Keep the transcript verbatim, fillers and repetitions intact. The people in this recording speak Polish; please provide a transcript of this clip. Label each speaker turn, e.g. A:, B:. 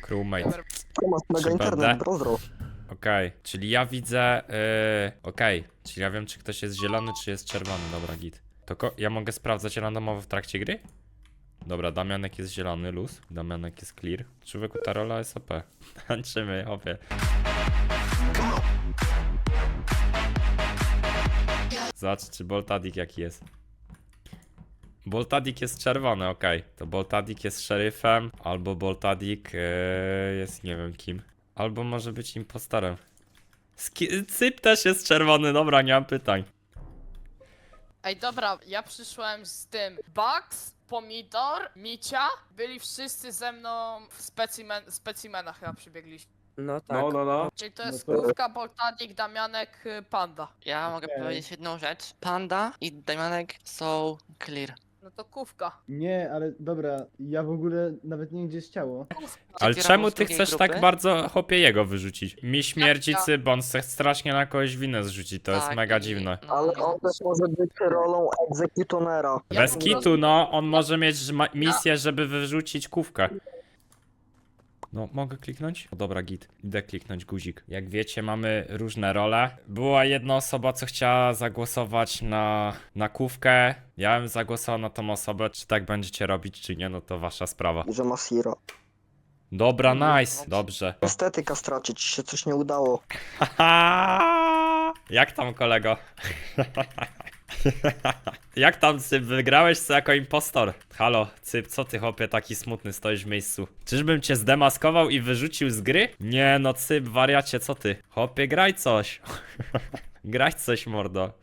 A: Crewmate.
B: Tomasz, mega
A: Trzy
B: internet,
A: B D?
B: brozdro.
A: Okej, czyli ja widzę... Yy, Okej, czyli ja wiem, czy ktoś jest zielony, czy jest czerwony. Dobra, git. To ko ja mogę sprawdzać randomowo w trakcie gry? Dobra, Damianek jest zielony, luz. Damianek jest clear. Człowieku, ta rola jest O P. Tańczymy, hopie. Zobacz, czy Boltadik jaki jest. Boltadik jest czerwony, okej. To Boltadik jest szeryfem, albo Boltadik yy, jest nie wiem kim. Albo może być impostorem. Ski Cyp też jest czerwony, dobra, nie mam pytań.
C: Ej, dobra, ja przyszłem z tym. Bugs, Pomidor, Micia, byli wszyscy ze mną w specimen, specimenach chyba przybiegliśmy.
D: No tak.
E: No, no, no.
C: Czyli to jest
E: No to-
C: Krówka, Boltadik, Damianek, y, Panda.
F: Ja mogę
E: Okej.
F: powiedzieć jedną rzecz. Panda i Damianek są clear.
C: No to Kówka.
G: Nie, ale dobra, ja w ogóle nawet nie wiem gdzie jest ciało.
A: Ale
F: Kierownik
A: czemu
F: z
A: ty
F: drugiej
A: chcesz
F: grupy?
A: tak bardzo hopie jego wyrzucić? Mi śmierdzi
C: ja?
A: Cyp, bo on chce strasznie na kogoś winę zrzucić, to jest
F: Tak,
A: mega
F: i-
A: dziwne.
F: no,
B: Ale
F: no.
B: on też może być rolą egzekutonera.
C: Ja
A: Bez
C: po
A: kitu,
C: prostu-
A: no, on może mieć ma- misję, żeby wyrzucić kówkę. No, mogę kliknąć? O, dobra, git. Idę kliknąć guzik. Jak wiecie, mamy różne role. Była jedna osoba, co chciała zagłosować na, na kówkę. Ja bym zagłosował na tą osobę. Czy tak będziecie robić, czy nie, no to wasza sprawa.
B: I że ma Siro.
A: Dobra, nice. Dobrze.
B: Estetyka straci, ci się coś nie udało.
A: Haha! Jak tam, kolego? Jak tam, Cyp? Wygrałeś co jako impostor? Halo, Cyp, co ty, chłopie, taki smutny stoisz w miejscu? Czyżbym cię zdemaskował i wyrzucił z gry? Nie no, Cyp, wariacie, co ty? Chłopie, graj coś. Graj coś, mordo.